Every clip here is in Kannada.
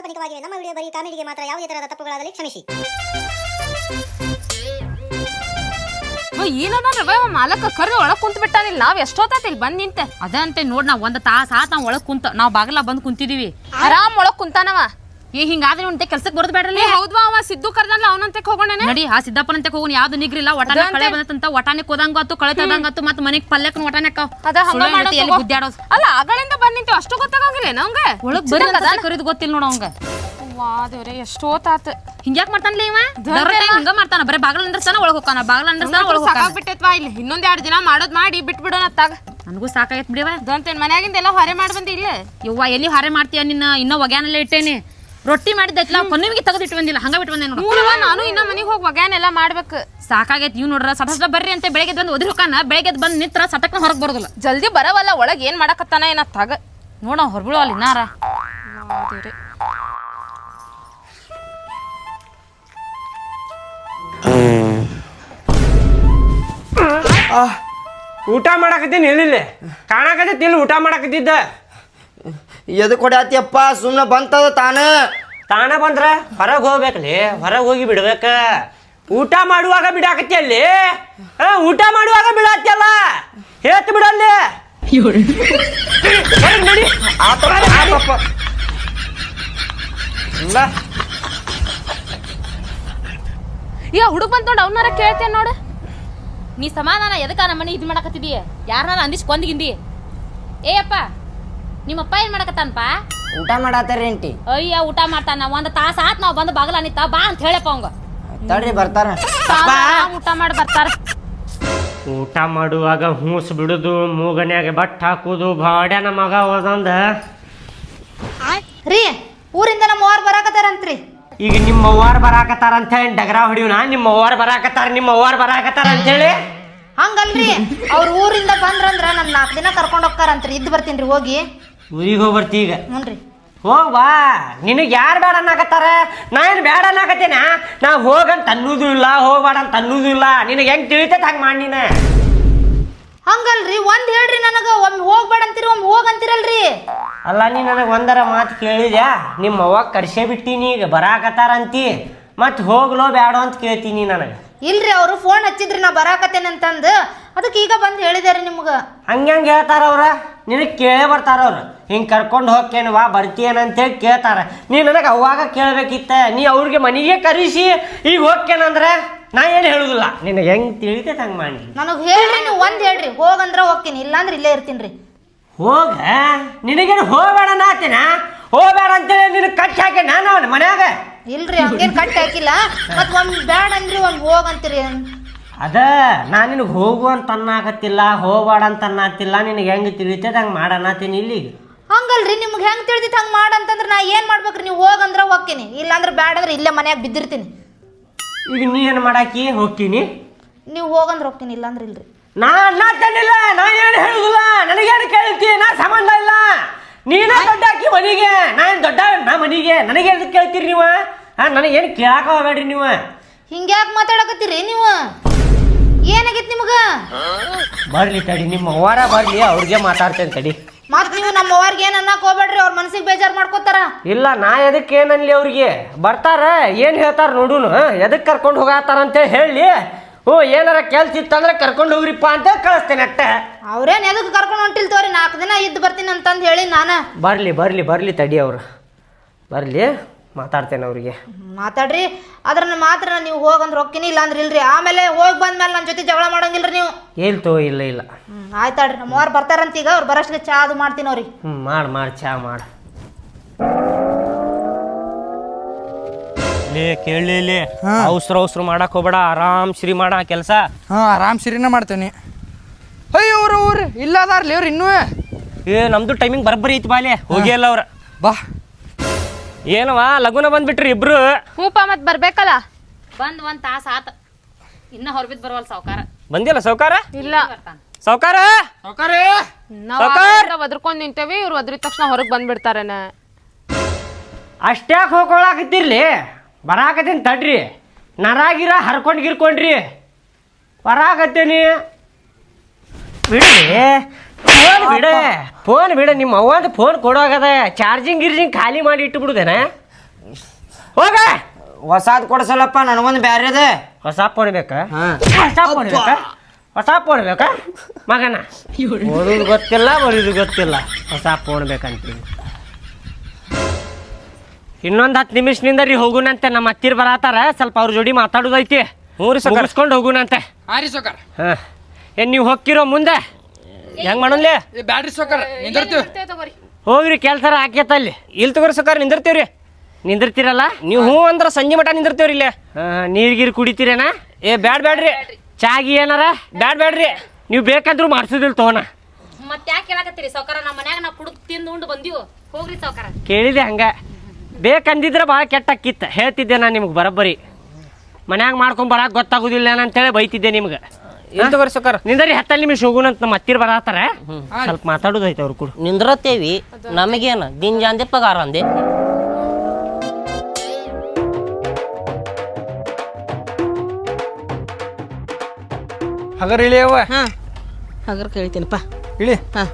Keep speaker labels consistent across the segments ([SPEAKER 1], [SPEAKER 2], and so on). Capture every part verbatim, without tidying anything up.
[SPEAKER 1] ಕಾಲ್ಪನಿಕವಾಗಿವೆ. ನಮ್ಮ ವಿಡಿಯೋ ಬರೀ ಕಾಮಿಡಿಗೆ ಮಾತ್ರ. ಯಾವುದೇ ತರಹದ ತಪ್ಪುಗಳಾದಲ್ಲಿ ಕ್ಷಮಿಸಿ.
[SPEAKER 2] ಏನದ ಮಾಲಕ ಕರ್ರಿ ಒಳಗ್ ಕುಂತ ಬಿಟ್ಟಾನಿಲ್ಲ. ನಾವ್ ಎಷ್ಟೊತ್ತಾತ ಇಲ್ಲಿ ಬಂದ್ ನಿಂತೆ ಅದಂತೆ ನೋಡ್. ನಾವ್ ಒಂದ್ ತಾಸ ಆತ ನಾವ್ ಒಳಗ್ ಕುಂತ ನಾವ್ ಬಾಗಲ ಬಂದ್ ಕುಂತಿದೀವಿ. ಆರಾಮ್ ಒಳಗ್ ಕುಂತಾನವ. ಈ ಹಿಂಗಾದ್ರೆ ಉಂಟೆ ಕೆಲ್ಸಕ್ಕೆ ಬರೋದ್ ಬೇಡ್ರಲ್ಲ. ಹೌದ್ವಾ, ಅವ ಸಿದ್ದು ಕರ್ದಲ್ಲ ಅವನಂತೆ ಹೋಗೋಣ ನಡಿ. ಆ ಸಿದ್ದಪ್ಪನಂತೆ ಹೋಗೋಣ. ಯಾವ್ದು ನಿಗ್ರಿಲ್ಲ. ಒಟಾನೆ ಕಳೆ ಬಂದಂತ ಒಟಾನೆ ಕೋದಂಗತ್ತು ಕಳೆ ತದಂಗತ್ತು ಮತ್ ಮನೆಗ್ ಪಲ್ಯಕ್ ಒಟಾನೆ ಗುದ್ದಾಡೋದು ಅಲ್ಲ. ಆಗಳಿಂದ ಬಂದ್ ನಿಂತೆ ಅಷ್ಟು ಗೊತ್ತಾಗಂಗಿಲ್ಲ ನಮ್ಗೆ. ಒಳಗ್ ಬರೀ ಕರಿದ್ ಗೊತ್ತಿಲ್ಲ ನೋಡ ಅವಂಗ. ವಾದೇವ್ರೆ ಎಷ್ಟೋತಾತ ಹಿಂಗ್ಯಾಕ್ ಮಾಡ್ತಾನಲ್ಲ ಇವ. ಹಿಂಗ ಮಾಡ್ತಾನ. ಬರೀ ಬಾಗಲ ಅಂದ್ರಸ್ತಾನ ಒಳಗ್ ಹೋಗ್ತಾನ. ಬಾಗಲ ಅಂದ್ರಸ್ತಾನ ಒಳಗ್ ಸಾಕಾಗ್ಬಿಟ್ಟೈತ್ವಾ. ಇಲ್ಲಿ ಇನ್ನೊಂದ್ ಎರಡ್ ದಿನ ಮಾಡೋದ್ ಮಾಡಿ ಬಿಟ್ ಬಿಡೋಣ ಅತ್ತಾಗ. ನನಗೂ ಸಾಕಾಗೈತ್ ಬಿಡಿವ. ಅದಂತೇನ್ ಮನ್ಯಾಗಿಂದೆಲ್ಲ ಹೊರೆ ಮಾಡಿ ಬಂದಿ ಇಲ್ಲ. ಯವ್ವ ಎಲ್ಲಿ ಹೊರೆ ಮಾಡ್ತೀಯ ನಿನ್ನ? ಇನ್ನ ಒಗ್ಯಾನೆಲ್ಲ ಇಟ್ಟೇನಿ. ರೊಟ್ಟಿ ಮಾಡಿದ್ದೈತ್ಲ ಕೊನೆಗೆ ತೆಗೆದು ಇಟ್ಟು ಬಂದಿಲ್ಲ. ಹಂಗ ಬಿಟ್ಟು ಬಂದೆ ನೋಡು. ನಾನು ಇನ್ನ ಮನೆಗೆ ಹೋಗಿ ಒಗ್ಯಾನೆಲ್ಲ ಮಾಡ್ಬೇಕು. ಸಾಕಾಗೈತಿ. ಇವ್ ನೋಡ್ರ ಸಟ ಸಟ ಬರ್ರಿ ಅಂತ ಬೆಳಗ್ಗೆ ಬಂದು ಒದ್ರಿ ಹೋಕಾನ. ಬೆಳಗ್ಗೆ ಬಂದ್ ನಿಂತ್ರ ಸಟಕ್ನ ಹೊರಗ್ ಬರೋದಿಲ್ಲ. ಜಲ್ದಿ ಬರವಲ್ಲ. ಒಳಗ್ ಏನ್ ಮಾಡಕತ್ತಾನ ಏನತ್ತಾಗ ನೋಡ. ಹೊರಬಿಳು ಅಲ್ಲಿ ಇನ್ನಾರ.
[SPEAKER 3] ಊಟ ಮಾಡಕತ್ತೀನಿ ಹೇಳಿಲ್ಲ. ಕಾಣಕತ್ತೈತಿ ಇಲ್ಲಿ ಊಟ ಮಾಡಕತ್ತಿದ್ದ.
[SPEAKER 4] ಎದು ಕೊಡಾತಿಯಪ್ಪ? ಸುಮ್ಮನೆ ಬಂತದ ತಾನ
[SPEAKER 3] ತಾನ ಬಂದ್ರ ಹೊರಗೆ ಹೋಗ್ಬೇಕಲ್ಲಿ. ಹೊರಗೆ ಹೋಗಿ ಬಿಡ್ಬೇಕ. ಊಟ ಮಾಡುವಾಗ ಬಿಡಾಕತ್ತಿ ಅಲ್ಲಿ. ಊಟ ಮಾಡುವಾಗ ಬಿಡಾತಿಯಲ್ಲ. ಹೇತ್ ಬಿಡಲ್ಲಿ. ನಡಿ.
[SPEAKER 2] ಈ ಹುಡುಗ ಬಂದ್ ನೋಡು. ಅವನಾರ ಕೇಳ್ತೇನೆ ನೋಡು. ನೀ ಸಮಾಧಾನ ಎದಕ್ಕ ನಮ್ಮ ಮನೆ ಇದು ಮಾಡಕತ್ತಿದೀಯ? ಯಾರನ್ನ ಅಂದಿಸ್ ಕೊಂದ್ಗಿಂದಿ? ಏಯಪ್ಪ ನಿಮ್ಮಪ್ಪ ಏನ್ ಮಾಡಕತ್ತಾನಪ್ಪ?
[SPEAKER 4] ಊಟ ಮಾಡತ್ತಾರ ಆಂಟಿ.
[SPEAKER 2] ಅಯ್ಯ ಊಟ ಮಾಡ್ತಾನ. ಒಂದ್ ತಾಸ ಆತ್ ನಾವ್ ಬಂದು ಬಾಗಲ ನಿಂತ ಬಾ ಅಂತ ಹೇಳಪ್ಪ ಅವಂಗ.
[SPEAKER 4] ತಡ್ರಿ ಬರ್ತಾರ.
[SPEAKER 2] ಊಟ ಮಾಡಿ ಬರ್ತಾರ.
[SPEAKER 3] ಊಟ ಮಾಡುವಾಗ ಹೂಸ್ ಬಿಡುದು, ಮೂಗನ್ಯಾಗ ಬಟ್ ಹಾಕುದು ಬಾಡ್ಯಾನ ಮಗ ಹೋದಂದ.
[SPEAKER 5] ರೀ ಊರಿಂದ ನಮ್ಮ ಅವ್ವಾರ ಬರಾಕತ್ತಾರಂತ್ರಿ.
[SPEAKER 3] ಈಗ ನಿಮ್ಮ ಅವ್ವಾರ ಬರಾಕತ್ತಾರ ಅಂತ ಹೇಳಿ ಡಗರ ಹೊಡಿಯೋಣ. ನಿಮ್ಮ ಅವ್ವಾರ ಬರಾಕತ್ತಾರ ನಿಮ್ಮ ಅವ್ವಾರ ಬರಾಕತ್ತಾರ ಅಂತ ಹೇಳಿ
[SPEAKER 5] ಹಂಗಲ್ರಿ. ಅವ್ರ ಊರಿಂದ ಬಂದ್ರಂದ್ರ ನನ್ ನಾಲ್ಕು ದಿನ ಕರ್ಕೊಂಡ್ ಹೋಗ್ತಾರಂತ್ರಿ. ಇದ್ದು ಬರ್ತೀನ್ರಿ ಹೋಗಿ.
[SPEAKER 3] ಊರಿಗೆ ಹೋಗಿ ಬರ್ತಿ ಈಗ?
[SPEAKER 5] ಹ್ಞೂನ್ರಿ.
[SPEAKER 3] ಹೋಗ್ವಾ. ನಿನಗೆ ಯಾರು ಬೇಡ ಅನ್ನಕತ್ತಾರ? ನಾ ಏನು ಬೇಡ ಅನ್ನಕತ್ತೇನ? ನಾ ಹೋಗಂತ ಅನ್ನೋದು ಇಲ್ಲ, ಹೋಗ್ಬೇಡ ಅಂತ ಅನ್ನೋದು ಇಲ್ಲ. ನಿನಗೆ ಹೆಂಗೆ ತಿಳಿತೈತೆ ಹಂಗೆ ಮಾಡಿ ನೀನು.
[SPEAKER 5] ಹಂಗಲ್ರಿ. ಒಂದ್ ಹೇಳ್ರಿ ನನಗ. ಒಮ್ಮೆ ಹೋಗ್ಬೇಡ ಅಂತೀರಿ, ಒಮ್ಮೆ ಹೋಗಂತೀರಲ್ರಿ.
[SPEAKER 3] ಅಲ್ಲ ನೀ ನನಗೆ ಒಂದರ ಮಾತು ಕೇಳಿದ್ಯಾ? ನಿಮ್ಮ ಅವ್ವ ಕರ್ಸೇ ಬಿಟ್ಟಿನಿ ಈಗ ಬರಾಕತ್ತಾರ ಅಂತಿ. ಮತ್ತು ಹೋಗ್ಲೋ ಬೇಡ ಅಂತ ಕೇಳ್ತೀನಿ ನನಗೆ.
[SPEAKER 5] ಇಲ್ರಿ, ಅವರು ಫೋನ್ ಹಚ್ಚಿದ್ರಿ ನಾ ಬರಾಕತ್ತೇನೆ ಅಂತಂದು. ಅದಕ್ಕೆ ಈಗ ಬಂದು ಹೇಳಿದಾರೆ ನಿಮ್ಗೆ.
[SPEAKER 3] ಹಂಗೆ ಹೆಂಗೆ ಹೇಳ್ತಾರ ಅವ್ರ? ನಿನಗೆ ಕೇಳೇ ಬರ್ತಾರ ಅವ್ರು. ಹಿಂಗೆ ಕರ್ಕೊಂಡು ಹೋಗ್ತೇನೆ ವಾ ಬರ್ತೀಯನಂತೇಳಿ ಕೇಳ್ತಾರೆ. ನೀ ನನಗೆ ಅವಾಗ ಕೇಳಬೇಕಿತ್ತ. ನೀ ಅವ್ರಿಗೆ ಮನೆಗೆ ಕರೆಸಿ ಈಗ ಹೋಗ್ತೇನಂದ್ರೆ ನಾ ಏನು ಹೇಳುದಿಲ್ಲ. ನಿನಗೆ ಹೆಂಗೆ ತಿಳಿತೈತೆ ಹಂಗೆ ಮಾಡಿ. ನನಗೆ
[SPEAKER 5] ಹೇಳ್ರಿ, ನೀವು ಒಂದು ಹೇಳ್ರಿ. ಹೋಗಂದ್ರೆ ಹೋಗ್ತೀನಿ, ಇಲ್ಲಾಂದ್ರೆ ಇಲ್ಲೇ ಇರ್ತೀನಿ ರೀ.
[SPEAKER 3] ಹೋಗ. ನಿನಗೇನು ಹೋಗಬೇಡ ನಾತಿನ? ಹೋಗಬೇಡ ಅಂತೇಳಿ ನಿನಗೆ ಕಟ್ಟಿ ಹಾಕಿ ನಾನು ಅವನ ಮನ್ಯಾಗ.
[SPEAKER 5] ಇಲ್ರಿ, ಹಂಗೇನು ಕಟ್ಟಿ ಹಾಕಿಲ್ಲ. ಮತ್ತು ಒಮ್ಮೆ ಬೇಡ ಅಂದ್ರಿ ಒಮ್ಮೆ ಹೋಗಂತೀರಿ.
[SPEAKER 3] ಅದ ನಾ ನಿನಗೆ ಹೋಗು ಅಂತ ಅನ್ನಾಕತ್ತಿಲ್ಲ, ಹೋಗಬೇಡ ಅಂತ ಅನ್ನತ್ತಿಲ್ಲ. ನಿನಗೆ ಹೆಂಗೆ ತಿಳಿತೈತೆ ಹಂಗೆ ಮಾಡನ್ನತ್ತೀನಿ ಇಲ್ಲಿಗೆ.
[SPEAKER 5] ಹಂಗಲ್ರಿ, ನಿಮ್ಗೆ ಹೆಂಗೆ ತಿಳಿದಿತ್ತು ಹಂಗೆ ಮಾಡಂತಂದ್ರೆ ನಾ ಏನು ಮಾಡ್ಬೇಕ್ರಿ? ನೀವು ಹೋಗಂದ್ರೆ ಹೋಗ್ತೀನಿ, ಇಲ್ಲಾಂದ್ರೆ ಬೇಡ ಅಂದ್ರೆ ಇಲ್ಲೇ ಮನ್ಯಾಗ ಬಿದ್ದಿರ್ತೀನಿ.
[SPEAKER 3] ಈಗ ನೀ ಏನು ಮಾಡಾಕಿ? ಹೋಗ್ತೀನಿ.
[SPEAKER 5] ನೀವು ಹೋಗಂದ್ರೆ ಹೋಗ್ತೀನಿ, ಇಲ್ಲಾಂದ್ರೆ ಇಲ್ರಿ.
[SPEAKER 3] ನಾ ಅನ್ನತ್ತೇನಿಲ್ಲ. ನಾ ಏನು ಹೇಳುದಿಲ್ಲ. ನನಗೇನು ಕೇಳ್ತಿ? ನಾ ಸಂಬಂಧ ಇಲ್ಲ. ನೀನ ದೊಡ್ಡ ಹಾಕಿ ಮನೆಗೆ. ನಾ ಏನು ದೊಡ್ಡ ನಾ ಮನೆಗೆ. ನನಗೆ ಎದಕ್ಕೆ ಕೇಳ್ತೀರಿ ನೀವು? ಹಾಂ, ನನಗೇನು ಕೇಳಾಕ ಹೋಗ್ಬೇಡ್ರಿ ನೀವು.
[SPEAKER 5] ಹಿಂಗ್ಯಾಕೆ ಮಾತಾಡಕತ್ತೀರಿ ನೀವು? ಏನಾಗೈತಿ ನಿಮ್ಗೆ?
[SPEAKER 3] ಬರ್ಲಿ ತಡಿ, ನಿಮ್ಮ ಅವ್ವಾರ ಬರ್ಲಿ, ಅವ್ರಿಗೆ ಮಾತಾಡ್ತೇನೆ ತಡಿ.
[SPEAKER 5] ಮತ್ತೆ ನೀವು ನಮ್ಮ ಅವ್ರಿಗೆ ಏನು ಅನ್ನಕ್ಕೆ ಹೋಗ್ಬೇಡ್ರಿ. ಅವ್ರ ಮನಸ್ಸಿಗೆ ಬೇಜಾರು ಮಾಡ್ಕೋತಾರ.
[SPEAKER 3] ಇಲ್ಲ, ನಾ ಎದಕ್ಕೆ ಏನನ್ಲಿ ಅವ್ರಿಗೆ? ಬರ್ತಾರ ಏನು ಹೇಳ್ತಾರ ನೋಡುನು. ಎದಕ್ಕೆ ಕರ್ಕೊಂಡು ಹೋಗತ್ತಾರ ಅಂತೇಳಿ ಹೇಳಿ. ಹ್ಞೂ, ಏನಾರ ಕೆಲ್ಸ ಇತ್ತಂದ್ರೆ ಕರ್ಕೊಂಡು ಹೋಗ್ರಿಪ್ಪ ಅಂತ ಕಳಿಸ್ತೇನೆ ಅಷ್ಟೇ.
[SPEAKER 5] ಅವ್ರೇನು ಎದಕ್ಕೆ ಕರ್ಕೊಂಡು ಹೊಂಟಿಲ್ ತೋರಿ, ನಾಲ್ಕು ದಿನ ಇದ್ದು ಬರ್ತೀನಿ ಅಂತಂದು ಹೇಳಿ ನಾನು.
[SPEAKER 3] ಬರ್ಲಿ ಬರ್ಲಿ ಬರ್ಲಿ ತಡಿ, ಅವರು ಬರ್ಲಿ, ಮಾತಾಡ್ತೇನೆ ಅವ್ರಿಗೆ.
[SPEAKER 5] ಮಾತಾಡ್ರಿ. ಅದ್ರ ಮಾತ್ರ ನೀವು ಹೋಗಂದ್ರೆ ಹೋಗ್ತೀನಿ, ಇಲ್ಲಾಂದ್ರೆ ಇಲ್ರಿ. ಆಮೇಲೆ ಹೋಗಿ ಬಂದ್ಮೇಲೆ ನನ್ನ ಜೊತೆ ಜಗಳ ಮಾಡಂಗಿಲ್ರಿ ನೀವು.
[SPEAKER 3] ಹೇಳ್ತೋ ಇಲ್ಲ ಇಲ್ಲ.
[SPEAKER 5] ಹ್ಞೂ ಆಯ್ತಾಡ್ರಿ. ನಮ್ಮ ಅವ್ರು ಬರ್ತಾರಂತ ಈಗ. ಅವ್ರು ಬರೋಷ್ಟಿಗೆ ಚಾ ಅದು ಮಾಡ್ತೀನಿ ಅವ್ರಿಗೆ.
[SPEAKER 3] ಹ್ಞೂ ಮಾಡಿ ಮಾಡಿ ಚಾ ಮಾಡಿ. ಲೇ ಕೇಳಲಿ, ಅವಸರ ಅವಸರ ಮಾಡಕ್ ಹೋಗ್ಬೇಡ. ಆರಾಮ್ ಶ್ರೀ ಮಾಡ ಕೆಲಸ.
[SPEAKER 6] ಹಾಂ, ಆರಾಮ್ ಸಿರಿನ ಮಾಡ್ತೇನೆ. ಅಯ್ಯೋ ಅವ್ರ ಅವ್ರು ಇಲ್ಲ ಅದಾರ್ಲಿ ಅವ್ರು ಇನ್ನೂ.
[SPEAKER 3] ಏ ನಮ್ದು ಟೈಮಿಂಗ್ ಬರಬ್ಬರಿ ಐತಿ ಬಾಲೆ. ಹೋಗಿ ಅಲ್ಲ ಅವ್ರ.
[SPEAKER 6] ಬಾ.
[SPEAKER 3] ಏನವಾ ಲಗುನ ಬಂದ್ಬಿಟ್ರಿ ಇಬ್ರು?
[SPEAKER 2] ಹ್ಞೂಪ ಮತ್ತೆ ಬರ್ಬೇಕಲ್ಲ. ಬಂದ್ ಒಂದ್ ತಾಸ ಆತ. ಇನ್ನ ಹೊರಬಿದ್ ಬರವಲ್ ಸಾವ್ಕಾರ.
[SPEAKER 3] ಬಂದಿಲ್ಲ ಸಾವ್ಕಾರ?
[SPEAKER 2] ಇಲ್ಲ
[SPEAKER 3] ಸಾವ್ಕಾರ.
[SPEAKER 2] ನಾವ್ ಒದ್ರಕೊಂಡ್ ನಿಂತೇವಿ. ಇವ್ರು ಒದ್ರಿದ ತಕ್ಷಣ ಹೊರಗ್ ಬಂದ್ಬಿಡ್ತಾರೇನ.
[SPEAKER 3] ಅಷ್ಟ್ಯಾಕೆ ಹೋಗ್ಕೊಳಕತ್ತಿರ್ಲಿ. ಬರಾಕತ್ತೀನಿ ತಡ್ರಿ. ನರಾಗಿರ ಹರ್ಕೊಂಡ್ ಗಿರ್ಕೊಂಡ್ರಿ ಬರಾಕತ್ತೀನಿ. ಬಿಡಿ ಫೋನ್ ಬಿಡ ಫೋನ್ ಬಿಡ. ನಿಮ್ಮ ಅವ್ವಂದು ಫೋನ್ ಕೊಡೋಗದ. ಚಾರ್ಜಿಂಗ್ ಗಿರ್ಜಿಂಗ್ ಖಾಲಿ ಮಾಡಿ ಇಟ್ಟು ಬಿಡುದೇನ? ಹೋಗ
[SPEAKER 4] ಹೊಸಾದ್ ಕೊಡ್ಸಲ್ಲಪ್ಪ ನನಗೊಂದು ಬ್ಯಾರೆದೆ.
[SPEAKER 3] ಹೊಸ ಫೋನ್ ಬೇಕಾ
[SPEAKER 4] ಹಾ.
[SPEAKER 3] ಹೊಸ ಫೋನ್ ಬೇಕಾ ಹೊಸ ಫೋನ್ ಬೇಕಾ ಮಗನ ಓದೋದು ಗೊತ್ತಿಲ್ಲ ಬರೋದು ಗೊತ್ತಿಲ್ಲ ಹೊಸ ಫೋನ್ ಬೇಕಂತೀನಿ. ಇನ್ನೊಂದು ಹತ್ತು ನಿಮಿಷದಿಂದ ರೀ ಹೋಗುನಂತೆ ನಮ್ಮ ಹತ್ತಿರ ಬರತ್ತಾರ ಸ್ವಲ್ಪ ಅವ್ರ ಜೋಡಿ ಮಾತಾಡೋದೈತಿ ಮೂರು ಮುಗಿಸ್ಕೊಂಡು ಹೋಗುನಂತೆ.
[SPEAKER 6] ಹಾಂ ರೀ ಸೌಕರ್.
[SPEAKER 3] ಹಾಂ ಏನು ನೀವು ಹೋಗ್ತಿರೋ ಮುಂದೆ ಹೆಂಗೆ ಮಾಡೋನ್ಲಿ
[SPEAKER 6] ಏ ಬ್ಯಾಡ್ರಿ ಸೌಕರ್ ನಿಂದಿರ್ತೀವಿ.
[SPEAKER 3] ಹೋಗ್ರಿ ಕೆಲ್ಸಾರ ಹಾಕ್ಯತ ಅಲ್ಲಿ ಇಲ್ಲಿ ತಗೋರಿ ಸಕಾರ ನಿಂದಿರ್ತೀವ್ರಿ ನಿಂದಿರ್ತೀರಲ್ಲ ನೀವು ಹ್ಞೂ ಅಂದ್ರೆ ಸಂಜೆ ಮಟ ನಿಂದಿರ್ತೀವ್ರಿ ಇಲ್ಲೇ ನೀರು ಗೀರು ಕುಡಿತೀರೇನ ಏ ಬ್ಯಾಡ್ ಬ್ಯಾಡ್ರಿ ಚಾಗಿ ಏನಾರ ಬ್ಯಾಡ್ ಬ್ಯಾಡ್ರಿ ನೀವು ಬೇಕಂದ್ರೂ ಮಾಡ್ಸೋದಿಲ್ಲ ತಗೋಣ.
[SPEAKER 2] ಮತ್ತೆ ಯಾಕೆ ಹೇಳಕತ್ತೀರಿ ಸೌಕರ ನಮ್ಮ ಮನ್ಯಾಗ ನಾವು ಕುಡಿದು ತಿಂದು ಉಂಡು ಬಂದೀವು ಹೋಗ್ರಿ ಸೌಕರ.
[SPEAKER 3] ಕೇಳಿದೆ ಹಂಗೆ ಬೇಕಂದಿದ್ರೆ ಭಾಳ ಕೆಟ್ಟ ಅಕ್ಕಿತ್ತು ಹೇಳ್ತಿದ್ದೆ ನಾನು ನಿಮ್ಗೆ ಬರೋಬ್ಬರಿ ಮನ್ಯಾಗ ಮಾಡ್ಕೊಂಡು ಬರಕ್ಕೆ ಗೊತ್ತಾಗೋದಿಲ್ಲ ಅಂತೇಳಿ ಬೈತಿದ್ದೆ ನಿಮ್ಗೆ.
[SPEAKER 6] ಇಲ್ಲಿ ತಗೋರಿ ಸೌಕರ್.
[SPEAKER 3] ನಿಂದರಿ ಹತ್ತಲ್ಲಿ ನಿಮಿಷ ಹೋಗುನಂತ ನಮ್ಮ ಹತ್ತಿರ ಬರತ್ತಾರ ಸ್ವಲ್ಪ ಮಾತಾಡೋದೈತೆ ಅವ್ರು ಕೂಡ.
[SPEAKER 7] ನಿಂದ್ರತ್ತೇವಿ ನಮಗೇನು ದಿನ ಜಾಂದೆ ಪಗಾರ ಅಂದೆ.
[SPEAKER 6] ಹಗರ್ ಇಳಿ ಅವ್ವ.
[SPEAKER 8] ಹಾಂ ಹಗರ್ ಕೇಳ್ತೀನಪ್ಪ.
[SPEAKER 6] ಇಳಿ.
[SPEAKER 8] ಹಾಂ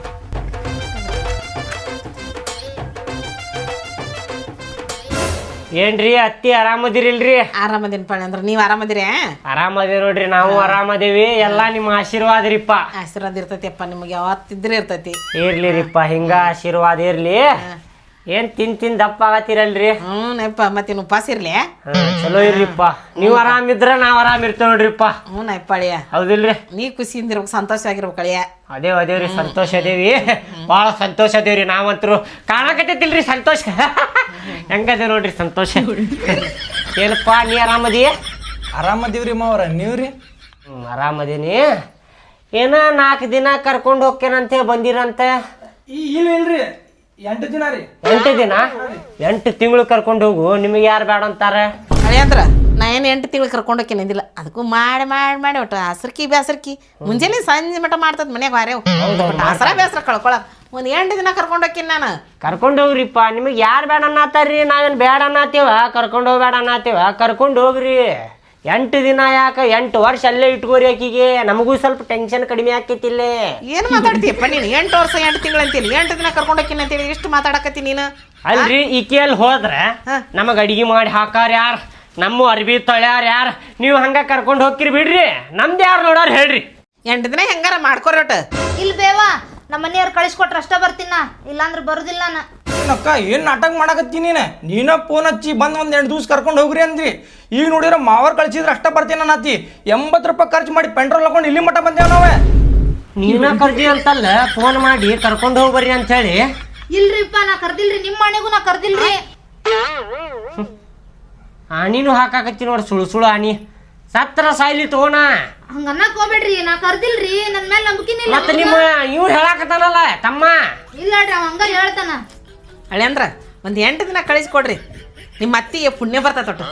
[SPEAKER 3] ಏನ್ರಿ ಅತ್ತಿ ಆರಾಮದಿರಿಲ್ರಿ?
[SPEAKER 8] ಆರಾಮದೇನಪ್ಪ ಅಂದ್ರೆ ನೀವು ಆರಾಮದಿರಿ?
[SPEAKER 3] ಆರಾಮದೇವಿ ನೋಡ್ರಿ ನಾವು ಆರಾಮದೇವಿ ಎಲ್ಲಾ ನಿಮ್ಮ ಆಶೀರ್ವಾದ ರೀಪ್ಪ.
[SPEAKER 8] ಆಶೀರ್ವಾದ ಇರ್ತೈತಿಪ್ಪ ನಿಮಗೆ ಯಾವತ್ತಿದ್ರೆ ಇರ್ತೈತಿ.
[SPEAKER 3] ಇರ್ಲಿರಿಪ್ಪ ಹಿಂಗ ಆಶೀರ್ವಾದ ಇರ್ಲಿ. ಏನ್ ತಿನ್ ತಿನ್ ದಪ್ಪ ಆಗತ್ತಿರಲ್ರಿ?
[SPEAKER 8] ಹ್ಞೂ ನಪ್ಪ ಮತ್ತೇನು ಉಪವಾಸ ಇರ್ಲಿ?
[SPEAKER 3] ಚಲೋ ಇರ್ರಿಪ್ಪ ನೀವು ಆರಾಮಿದ್ರ ನಾವ್ ಆರಾಮ್ ಇರ್ತೇವ್ ನೋಡ್ರಿಪ್ಪ.
[SPEAKER 8] ಹ್ಞೂ ನಪ್ಪ ಅಳಿಯ
[SPEAKER 3] ಹೌದಿಲ್ರಿ?
[SPEAKER 8] ನೀ ಖುಷಿಯಿಂದ ಇರ್ಬೇಕು ಸಂತೋಷ ಆಗಿರ್ಬೇಕು ಅಳಿಯ.
[SPEAKER 3] ಅದೇವ್ ಅದೇವ್ರಿ ಸಂತೋಷ ಅದೇವಿ ಭಾಳ ಸಂತೋಷ ಅದೇವ್ರಿ ನಾವಂತರು ಕಾಣಕತ್ತೈತಿಲ್ರಿ ಸಂತೋಷ ಹೆಂಗದೆ ನೋಡ್ರಿ ಸಂತೋಷ. ಏನಪ್ಪ ನೀ ಆರಾಮದಿ?
[SPEAKER 6] ಆರಾಮದೀವ್ರಿ ಮಾವ್ರ ನೀವ್ರಿ?
[SPEAKER 3] ಹ್ಞೂ ಆರಾಮದೀನಿ. ಏನ ನಾಲ್ಕು ದಿನ ಕರ್ಕೊಂಡು ಹೋಗ್ತೇನಂತ ಬಂದಿರಂತೆ.
[SPEAKER 6] ಇಲ್ಲ ಇಲ್ರಿ ಎಂಟು ದಿನ ರೀ.
[SPEAKER 3] ಎಂಟು ದಿನ ಎಂಟು ತಿಂಗಳು ಕರ್ಕೊಂಡು ಹೋಗು ನಿಮಗೆ ಯಾರು ಬೇಡ ಅಂತಾರೆ?
[SPEAKER 8] ಅಳಿಯ ಅಂದ್ರ ನಾ ಏನು ಎಂಟು ತಿಂಗಳು ಕರ್ಕೊಂಡು ಹೋಗಿ ನಿಂದಿಲ್ಲ ಅದಕ್ಕೂ ಮಾಡಿ ಮಾಡಿ ಮಾಡಿ ಒಟ್ಟು ಹಸ್ರಕಿ ಬೇಸರ್ಕಿ ಮುಂಜಾನೆ ಸಂಜೆ ಮಟ ಮಾಡ್ತದ ಮನ್ಯಾಗ ವಾರೇವು ಹಸರ ಬೇಸರ ಕಳ್ಕೊಳಕ್ ಒಂದು ಎಂಟು ದಿನ ಕರ್ಕೊಂಡು ಹೋಗ್ತೀನಿ ನಾನು.
[SPEAKER 3] ಕರ್ಕೊಂಡು ಹೋಗ್ರಿಪ್ಪ ನಿಮಗೆ ಯಾರು ಬೇಡ ಅನ್ನತ್ತಾರ್ರಿ ನಾವೇನು ಬೇಡ ಅನ್ನತ್ತೀವ ಕರ್ಕೊಂಡು ಹೋಗ್ಬೇಡ ಅನ್ನತ್ತೀವ ಕರ್ಕೊಂಡು ಹೋಗ್ರಿ. ಎಂಟು ದಿನ ಯಾಕೆ ಎಂಟು ವರ್ಷ ಅಲ್ಲೇ ಇಟ್ಕೋರಿ ಆಕಿಗೆ ನಮಗೂ ಸ್ವಲ್ಪ ಟೆನ್ಷನ್ ಕಡಿಮೆ ಆಕೈತಿಲ್ಲೇ.
[SPEAKER 8] ಏನು ಮಾತಾಡ್ತೀಯಪ್ಪ ನೀನು? ಎಂಟು ವರ್ಷ ಎಂಟು ತಿಂಗಳು ಅಂತೀನಿ ಎಂಟು ದಿನ ಕರ್ಕೊಂಡು ಹೋಗ್ತೀನಿ ಅಂತೇಳಿ ಎಷ್ಟು ಮಾತಾಡಕತ್ತಿ ನೀನು?
[SPEAKER 3] ಅಲ್ರಿ ಈಕೆಯಲ್ಲಿ ಹೋದ್ರೆ ನಮಗೆ ಅಡಿಗೆ ಮಾಡಿ ಹಾಕಾರ ಯಾರು ನಮ್ಮ ಅರ್ಬಿ ತೊಳ್ಯಾರ ಯಾರು ನೀವು ಹಂಗ ಕರ್ಕೊಂಡು ಹೋಗ್ತಿರಿ ಬಿಡ್ರಿ ನಮ್ದು ಯಾರು ನೋಡಾರ ಹೇಳ್ರಿ.
[SPEAKER 8] ಎಂಟು ದಿನ ಹೆಂಗಾರ ಮಾಡ್ಕೊರಿ ಒಟ್ಟು.
[SPEAKER 5] ಇಲ್ಲಿ ಬೇವಾ ನಮ್ಮ ಮನೆಯವ್ರು ಕಳಿಸ್ಕೊಟ್ರೆ ಅಷ್ಟ ಬರ್ತೀನ ಇಲ್ಲಾಂದ್ರೆ ಬರುದಿಲ್ಲ ನಾ.
[SPEAKER 6] ಏನಕ್ಕ ಏನು ನಾಟಕ ಮಾಡಕತ್ತಿ ನೀನು? ನೀನ ಫೋನ್ ಹಚ್ಚಿ ಬಂದು ಒಂದು ಎಂಟು ದಿವ್ಸ ಕರ್ಕೊಂಡು ಹೋಗ್ರಿ ಅಂದ್ರಿ. ಈಗ ನೋಡಿದ್ರೆ ಮಾವರ್ ಕಳ್ಸಿದ್ರೆ ಅಷ್ಟ ಬರ್ತೀನಿ ಅನ್ನತ್ತಿ. ಎಂಬತ್ತು ರೂಪಾಯಿ ಖರ್ಚು ಮಾಡಿ ಪೆಟ್ರೋಲ್ ಹಾಕೊಂಡು ಇಲ್ಲಿ ಮಟ್ಟ ಬಂದೇವ್ ನಾವೇ.
[SPEAKER 3] ನೀನ ಕರ್ದಿ ಅಂತಲ್ಲ ಫೋನ್ ಮಾಡಿ ಕರ್ಕೊಂಡು ಹೋಗ್ಬರ್ರಿ ಅಂತ ಹೇಳಿ.
[SPEAKER 5] ಇಲ್ರಿಪ್ಪ ನಾ ಕರ್ದಿಲ್ರಿ ನಿಮ್ಮ ಮನೆಗೂ ನಾ ಕರ್ದಿಲ್ರಿ.
[SPEAKER 3] ಆಣಿನೂ ಹಾಕಾಕತ್ತಿ ನೋಡಿ ಸುಳು ಸುಳು ಆಣಿ ಸತ್ರ ಸಾಯ್ಲಿ ತಗೋಣ.
[SPEAKER 5] ಹಂಗ ಅನ್ನಕ್ ಹೋಗ್ಬೇಡ್ರಿ ನಾ ಕರ್ದಿಲ್ರಿ ನನ್ ಮೇಲೆ ನಂಬಿಕೆನೇ ಇಲ್ಲ.
[SPEAKER 3] ಮತ್ತೆ ನಿಮ್ಮ ಇವ್ ಹೇಳಾಕತ್ತಾನಲ್ಲ ತಮ್ಮ.
[SPEAKER 5] ಇಲ್ಲ ಅವ್ ಹಂಗ ಹೇಳ್ತಾನ.
[SPEAKER 8] ಹಳೆ ಅಂದ್ರ ಒಂದು ಎಂಟು ದಿನ ಕಳಿಸ್ಕೊಡ್ರಿ ನಿಮ್ಮ ಅತ್ತಿಗೆ ಪುಣ್ಯ ಬರ್ತೈತೆ ಒಟ್ಟು.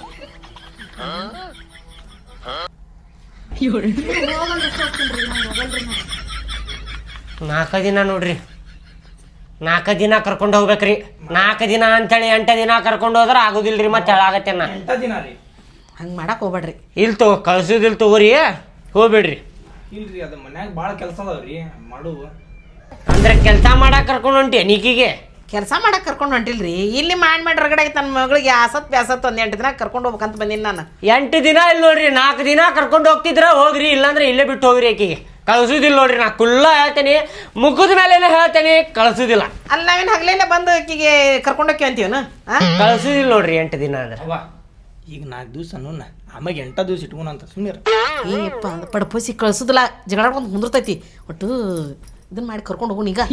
[SPEAKER 3] ನಾಲ್ಕು ದಿನ ನೋಡ್ರಿ ನಾಲ್ಕು ದಿನ ಕರ್ಕೊಂಡು ಹೋಗ್ಬೇಕ್ರಿ. ನಾಲ್ಕು ದಿನ ಅಂತೇಳಿ ಎಂಟು ದಿನ ಕರ್ಕೊಂಡು ಹೋದ್ರೆ ಆಗೋದಿಲ್ರಿ ಮತ್ತೆ ಹೇಳಾಗತ್ತೇನ.
[SPEAKER 6] ಎಂಟು ದಿನ ರೀ.
[SPEAKER 8] ಹಂಗೆ ಮಾಡಕ್ಕೆ ಹೋಗ್ಬೇಡ್ರಿ.
[SPEAKER 3] ಇಲ್ಲಿ ತಗೋ ಕಳ್ಸೋದಿಲ್ಲ ತಗೋರಿ ಹೋಗ್ಬೇಡ್ರಿ.
[SPEAKER 6] ಇಲ್ರಿ ಅದು ಮನ್ಯಾಗ ಭಾಳ ಕೆಲಸ ಅದಾವ್ರಿ ಮಾಡು.
[SPEAKER 3] ಅಂದ್ರೆ ಕೆಲಸ ಮಾಡಕ್ಕೆ ಕರ್ಕೊಂಡು ಹೊಂಟಿ ನೀಕಿಗೆ
[SPEAKER 8] ಕೆಲಸ ಮಾಡಕ್ಕೆ ಕರ್ಕೊಂಡು ಹೊಂಟಿಲ್ರಿ ಇಲ್ಲಿ ಮಾಡಿ ಮಾಡಿ ಹೊರಗಡೆ ನನ್ನ ಮಗಳಿಗೆ ಆಸತ್ ಬ್ಯಾಸತ್ ಒಂದು ಎಂಟು ದಿನ ಕರ್ಕೊಂಡು ಹೋಗ್ಬೇಕಂತ ಬಂದೀನಿ ನಾನು.
[SPEAKER 3] ಎಂಟು ದಿನ ಇಲ್ಲಿ ನೋಡ್ರಿ ನಾಲ್ಕು ದಿನ ಕರ್ಕೊಂಡು ಹೋಗ್ತಿದ್ರ ಹೋಗ್ರಿ ಇಲ್ಲಾಂದ್ರೆ ಇಲ್ಲೇ ಬಿಟ್ಟು ಹೋಗ್ರಿ ಆಕಿಗೆ ಕಳ್ಸೋದಿಲ್ಲ ನೋಡ್ರಿ. ನಾ ಕುಲ್ಲ ಹೇಳ್ತೇನೆ ಮುಗಿದ ಮೇಲೆ ಹೇಳ್ತೇನೆ ಕಳ್ಸೋದಿಲ್ಲ.
[SPEAKER 8] ಅಲ್ಲಿ ನಾವೇನು ಹಗಲೇನೆ ಬಂದು ಆಕಿಗೆ ಕರ್ಕೊಂಡು ಹೋಗಿ ಅಂತೀವನು
[SPEAKER 3] ಕಳ್ಸೋದಿಲ್ಲ ನೋಡ್ರಿ ಎಂಟು ದಿನ ಅಂದ್ರೆ.
[SPEAKER 6] ಅವ್ವ ಈಗ ನಾಲ್ಕು ದಿವ್ಸ ಅನ್ನೋಣ ಆಮ್ಯಾಗ ಎಂಟ ದಿವ್ಸ ಇಟ್ಕೋಣ ಅಂತ ಸುಮ್ಮನೆ.
[SPEAKER 8] ಏಪ್ಪ ಅದು ಪಡ್ಪೋಸಿ ಕಳ್ಸೋದಿಲ್ಲ ಜಗಳಾಡ್ಕೊಂಡು ಕುಂದಿರ್ತೈತಿ ಒಟ್ಟು ಇದನ್ನ ಮಾಡಿ ಕರ್ಕೊಂಡು ಹೋಗೋಣ ಈಗ.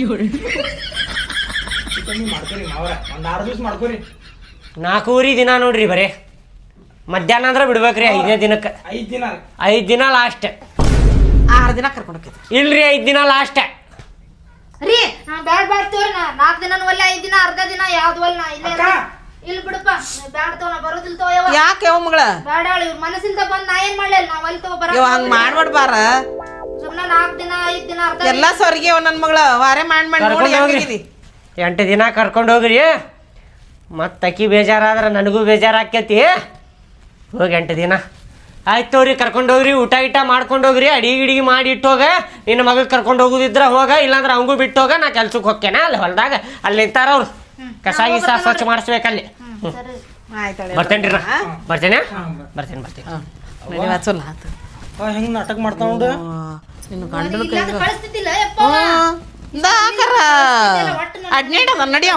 [SPEAKER 6] ಮಾಡ್ಕೊರಿ ಮಾವ್ರ ಒಂದು ಆರು ದಿವ್ಸ ಮಾಡ್ಕೊರಿ.
[SPEAKER 3] ನಾಲ್ಕೂವರೆ ದಿನ ನೋಡ್ರಿ ಬರೀ ಮಧ್ಯಾಹ್ನ ಅಂದ್ರೆ ಬಿಡ್ಬೇಕ್ರಿ ಐದನೇ ದಿನಕ್ಕೆ.
[SPEAKER 6] ಐದು ದಿನ
[SPEAKER 3] ಐದು ದಿನ ಲಾಸ್ಟ್.
[SPEAKER 8] ಆರು ದಿನ ಕರ್ಕೊಂಡು ಹೋಗ್ತೈತಿ.
[SPEAKER 3] ಇಲ್ರಿ ಐದು ದಿನ ಲಾಸ್ಟ್
[SPEAKER 5] ರೀ ನಾ ಬ್ಯಾಡ್ ಬ್ಯಾಡ್ ತೋರಿ ನಾ ನಾಲ್ಕು ದಿನ ಒಲ್ಲ ಐದು ದಿನ ಅರ್ಧ ದಿನ ಯಾವ್ದು ಒಲ್ಲ ನಾ ಇಲ್ಲೇ ಇಲ್ಲಿ ಬಿಡಪ್ಪ ಬ್ಯಾಡ್ ತೋ ನಾ ಬರೋದಿಲ್ಲ ತೋ ಯಾವ.
[SPEAKER 8] ಯಾಕೆ ಯಾವ ಮಗಳ
[SPEAKER 5] ಬ್ಯಾಡ ಹೇಳಿ ಮನಸ್ಸಿಂದ ಬಂದ್ ನಾ ಏನ್ ಮಾಡ್ಲಿಲ್ಲ ನಾ ಅಲ್ಲಿ ತಗೋ ಬರ
[SPEAKER 8] ಇವ ಹಂಗೆ ಮಾಡ್ಬಾರ್ಬಾರ.
[SPEAKER 5] ಸುಮ್ಮನೆ ನಾಲ್ಕು ದಿನ ಐದು ದಿನ ಅರ್ಧ
[SPEAKER 8] ಎಲ್ಲ ಸರಿಗೆ ನನ್ನ ಮಗಳ ವಾರೆ ಮಾಡಿ ಮಾಡಿ ನೋಡಿ ಹೆಂಗಿದಿ.
[SPEAKER 3] ಎಂಟು ದಿನ ಕರ್ಕೊಂಡು ಹೋಗ್ರಿ ಮತ್ತು ಅಕ್ಕಿ ಬೇಜಾರಾದ್ರೆ ನನಗೂ ಬೇಜಾರಾಕೈತಿ. ಹೋಗಿ ಎಂಟು ದಿನ ಆಯ್ತು ತೋರಿ ಕರ್ಕೊಂಡು ಹೋಗ್ರಿ ಊಟ ಗಿಟ ಮಾಡ್ಕೊಂಡು ಹೋಗ್ರಿ ಅಡಿಗೆ ಗಿಡಿಗೆ ಮಾಡಿ ಇಟ್ಟೋಗ ನಿನ್ನ ಮಗ ಕರ್ಕೊಂಡು ಹೋಗೋದಿದ್ರ ಹೋಗ ಇಲ್ಲಾಂದ್ರೆ ಅವಂಗೂ ಬಿಟ್ಟು ಹೋಗ ನಾ ಕೆಲ್ಸಕ್ಕೆ ಹೋಗ್ತೇನೆ ಅಲ್ಲಿ ಹೊಲದಾಗ ಅಲ್ಲಿ ನಿಂತಾರ ಅವ್ರು ಕಸ ಗಿಸ ಸ್ವಚ್ಛ ಮಾಡಿಸ್ಬೇಕಲ್ಲಿ.
[SPEAKER 8] ಆಯ್ತಾಳೆ
[SPEAKER 3] ಬರ್ತೇನ್ರಿ ನಾ ಬರ್ತೇನೆ ಬರ್ತೇನೆ ಬರ್ತೇನೆ
[SPEAKER 8] ನಡಿವ ಚಲೋ ಆತು
[SPEAKER 6] ಹೆಂಗ್ ನಾಟಕ ಮಾಡ್ತಾವ ನೋಡು
[SPEAKER 8] ನಿನ್ನ ಗಂಡನ ಕೈ
[SPEAKER 5] ಇಲ್ಲಾಂದ್ರೆ ಕಳಿಸ್ತಿದ್ದಿಲ್ಲ ಯಪ್ಪ
[SPEAKER 8] ದಾಕರ ಅಡ್ನೇಟ್ ಅದ ನಡಿಯವ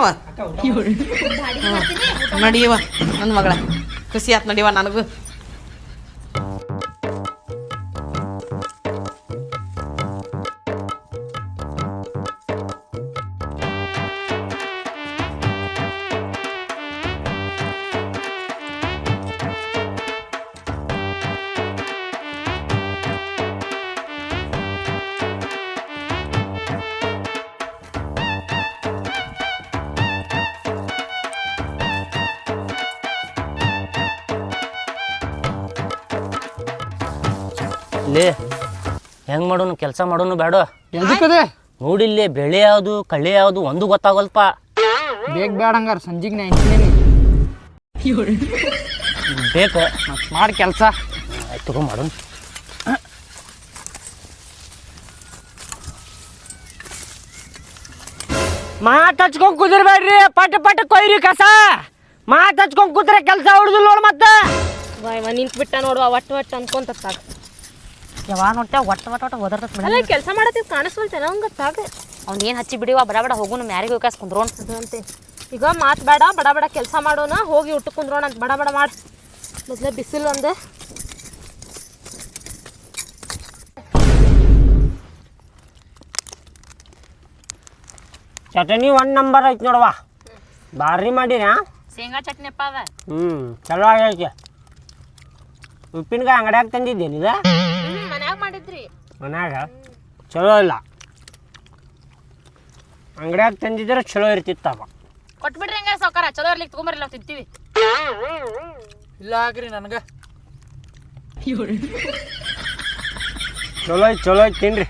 [SPEAKER 8] ನಡಿಯವ ನನ್ನ ಮಗಳ ಖುಷಿ ಆತ್ ನಡಿಯವ ನನಗೂ
[SPEAKER 7] ಲೇ ಹೆಂಗ್ ಮಾಡೋನು ಕೆಲಸ ಮಾಡೋನು ಬೇಡ
[SPEAKER 9] ಎದಕ್ಕದೆ
[SPEAKER 7] ನೋಡಿಲ್ಲೇ ಬೆಳೆ ಯಾವುದು ಕಳೆ ಯಾವುದು ಒಂದು ಗೊತ್ತಾಗಲ್ಪ
[SPEAKER 9] ಬೇಗ ಬೇಡ ಹಂಗಾರ ಸಂಜಿಗೆ ನಾ ಇಂತೀನಿ
[SPEAKER 7] ಬೇಕ
[SPEAKER 9] ಮತ್ತೆ ಮಾಡಿ ಕೆಲಸ
[SPEAKER 7] ಆಯ್ತು ತಗೋ ಮಾಡೋನು
[SPEAKER 3] ಮಾತು ಹಚ್ಕೊಂಡ್ ಕುದಿರ್ಬೇಡ್ರಿ ಪಟ್ ಪಟ್ ಕೊಯ್ರಿ ಕಸ ಮಾತು ಹಚ್ಕೊಂಡ್ ಕೂತ್ರೆ ಕೆಲಸ ಹುಡುದಿಲ್ಲ ನೋಡು ಮತ್ತೆ
[SPEAKER 2] ಬಾಯ್ ನಿಂತು ಬಿಟ್ಟ ನೋಡುವ ಒಟ್ಟು ಒಟ್ಟು ಅನ್ಕೊಂತ ಸಾಕು
[SPEAKER 7] ಯಾವಾಗ ನೋಡ್ತೇವೆ ಒಟ್ಟು ಒಟ್ಟು ಒಟ್ಟು ಓದರ್ತದೆ
[SPEAKER 2] ಅಲ್ಲ ಕೆಲಸ ಮಾಡತ್ತಿದ್ ಕಾಣಿಸ್ವಲ್ತೇನ ಹಂಗ ಸಾಕು
[SPEAKER 7] ಅವ್ನು ಏನು ಹಚ್ಚಿ ಬಿಡಿವ ಬಡ ಬಡ ಹೋಗುನು ಮ್ಯಾರಿಗೆ ಹೋಗಾಸ್ ಕುಂದ್ರೋಣ
[SPEAKER 2] ಅಂತೆ ಈಗ ಮಾತು ಬೇಡ ಬಡ ಬಡ ಕೆಲಸ ಮಾಡೋಣ ಹೋಗಿ ಊಟ ಕುಂದ್ರೋಣ ಅಂತ ಬಡ ಬಡ ಮಾಡಿ ಮೊದಲೇ ಬಿಸಿಲು ಒಂದು
[SPEAKER 3] ಚಟನಿ ಒನ್ ನಂಬರ್ ಐತಿ ನೋಡವ್ವ ಭಾರಿ ಮಾಡಿರಾ
[SPEAKER 2] ಶೇಂಗಾ ಚಟ್ನಿ ಅಪ್ಪ ಅದ
[SPEAKER 3] ಹ್ಞೂ ಚಲೋ ಆಗೈತಿ ಉಪ್ಪಿನಕಾಯಿ ಅಂಗಡ್ಯಾಗ ತಂದಿದ್ದೇನಿದ
[SPEAKER 2] ಮನ್ಯಾಗ ಮಾಡಿದ್ರಿ
[SPEAKER 3] ಮನ್ಯಾಗ ಚಲೋ ಇಲ್ಲ ಅಂಗಡ್ಯಾಗ ತಂದಿದ್ರೆ ಚಲೋ ಇರ್ತಿತ್ತವ
[SPEAKER 2] ಕೊಟ್ಬಿಡ್ರಿ ಹಂಗಾರೆ ಸಾವ್ಕಾರ ಚಲೋ ಇರ್ಲಿಕ್ಕೆ ತಗೊಂಬರ್ಲಿ ನಾವು ತಿಂತೀವಿ
[SPEAKER 9] ಇಲ್ಲ ಆಗ್ರಿ ನನಗೆ
[SPEAKER 3] ಚಲೋ ಐತಿ ಚಲೋ ಐತಿ ತಿನ್ರಿ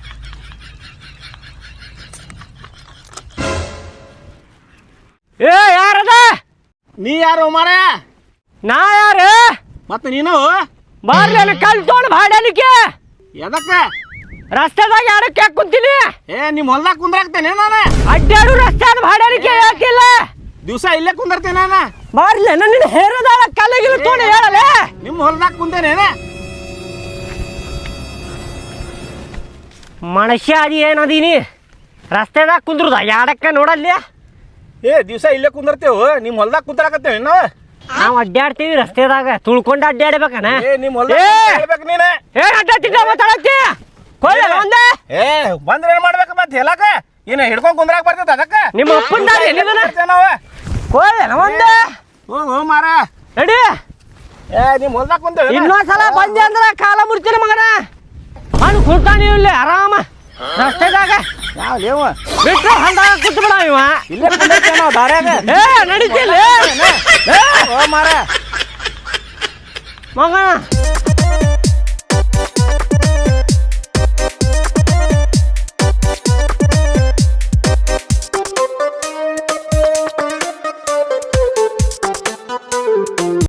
[SPEAKER 3] ಏ ಯಾರದ
[SPEAKER 6] ನೀ ಯಾರು ಮಾರ
[SPEAKER 3] ನಾ ಯಾರು
[SPEAKER 6] ಮತ್ತೆ ನೀನು
[SPEAKER 3] ಬಾರ್ಲಿ ಕಲ್ ತೊಗೊಂಡು ಬಾಡಲಿಕ್ಕೆ
[SPEAKER 6] ಎದಕ್ಕ
[SPEAKER 3] ರಸ್ತೆದಾಗ ಯಾರಕ್ಕೆ ಯಾಕೆ ಕುಂತೀನಿ
[SPEAKER 6] ಏ ನಿಮ್ ಹೊಲ್ದಾಗ ಕುಂದ್ರಾಕ್ತೇನೆ ನಾನು
[SPEAKER 3] ಅಡ್ಡಾಡು ರಸ್ತೆ ಬಾಡಲಿಕ್ಕೆ ಯಾಕಿಲ್ಲ
[SPEAKER 6] ದಿವಸ ಇಲ್ಲೇ ಕುಂದಿರ್ತೇನೆ ನಾನು
[SPEAKER 3] ಬಾರ್ಲಿ ನನ್ನ ಹೇರದಾಳ ಕಲ್ಲಿಗಿಲು ತೊಗೊಂಡು ಹೇಳಲೆ
[SPEAKER 6] ನಿಮ್ ಹೊಲ್ದಾಗ ಕುಂತೇನೆ
[SPEAKER 3] ಮನುಷ್ಯ ಅದು ಏನದೀನಿ ರಸ್ತೆದಾಗ ಕುಂದ್ರದ ಯಾಡಕ್ಕ ನೋಡಲ್ಲಿ
[SPEAKER 6] ಏ ದಿವಸ ಇಲ್ಲೇ ಕುಂದಿರ್ತೇವು ನಿಮ್ ಹೊಲ್ದಾಗ ಕುಂದ್ರಾಕತ್ತೇವೆ ನಾವು
[SPEAKER 3] ನಾವು ಅಡ್ಡಾಡ್ತೀವಿ ರಸ್ತೆದಾಗ ತುಳ್ಕೊಂಡು ಅಡ್ಡಾಡ್ಬೇಕನ
[SPEAKER 6] ಏ ನಿಮ್ ಹೊಲ್ದಾಗ ಹೇಳ್ಬೇಕು ನೀನೆ
[SPEAKER 3] ಏನ್ ಅಡ್ಡಾಡ್ತಿದ್ದ ಮಾತಾಡತ್ತಿ ಕೊಯ್ಲ ಒಂದೇ
[SPEAKER 6] ಏ ಬಂದ್ರೆ ಏನ್ ಮಾಡ್ಬೇಕು ಮತ್ತೆ ಹೇಳಕ ಏನ ಹಿಡ್ಕೊಂಡ್ ಕುಂದ್ರಾಕ ಬರ್ತೈತೆ ಅದಕ್ಕ
[SPEAKER 3] ನಿಮ್ಮ ಅಪ್ಪನ
[SPEAKER 6] ನಾವ
[SPEAKER 3] ಕೊಯ್ಲ ಒಂದೇ
[SPEAKER 6] ಹೋಗು ಮಾರ
[SPEAKER 3] ನಡಿ
[SPEAKER 6] ಏ ನಿಮ್ ಹೊಲ್ದಾಗ ಕುಂತೇವೆ
[SPEAKER 3] ಇನ್ನೊಂದ್ಸಲ ಬಂದೆ ಅಂದ್ರೆ ಕಾಲ ಮುರ್ತೀನಿ ಮಗನ ಮಣ್ಣು ಕುಂತಾನ ಇಲ್ಲಿ ಆರಾಮ ರಸ್ತೆದಾಗ
[SPEAKER 6] ಯಾವ ಲೇವ
[SPEAKER 3] ಬಿಟ್ರೆ ಹಂದಾಗ ಕುಂತ ಬಿಡ ಇವ
[SPEAKER 6] ಇಲ್ಲೇ ಕುಂದಿರ್ತೇವೆ ನಾವು ದಾರ್ಯಾಗ
[SPEAKER 3] ಏ ನಡೀತಿಲ್ಲ
[SPEAKER 6] ಓ ಮಾರ
[SPEAKER 3] ಮಗನ